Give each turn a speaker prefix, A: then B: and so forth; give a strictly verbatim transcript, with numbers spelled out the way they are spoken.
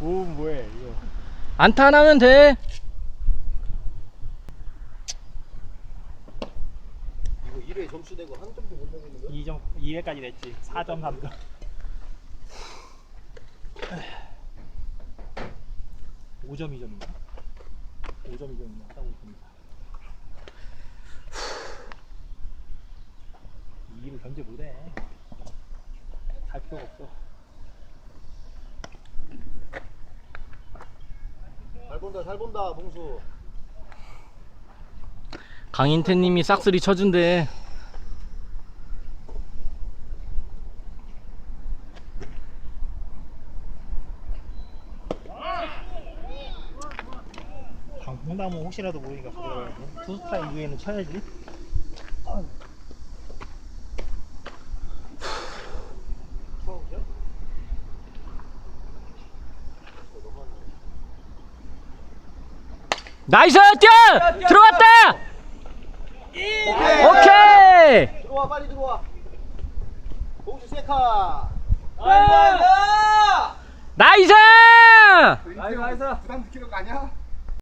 A: 오 뭐해 이거.
B: 안타 안 하면 돼.
C: 이거 일 회 점수 내고 한 점도 못 내고 있는 거야?
A: 이 점 이 회까지 냈지. 사 점 삼 점. 오 점 이 점인가? 오 점 이 점인가? 딱 오 점인가? 이 일을 견제 못해. 갈 필요가 없어.
C: 잘 본다 잘 본다 봉수.
B: 강인태님이 싹쓸이 쳐준대.
A: 방풍나무 혹시라도 모르니까 가져가야지. 투 스타 이후에는 쳐야지.
C: 처음이야?
B: 나이스! 뛰어! 들어갔다! 오케이!
C: 들어와 빨리 들어와. 봉수 세카.
B: 나이스!
C: 나이스 나이스. 부담 느끼는 거 아니야?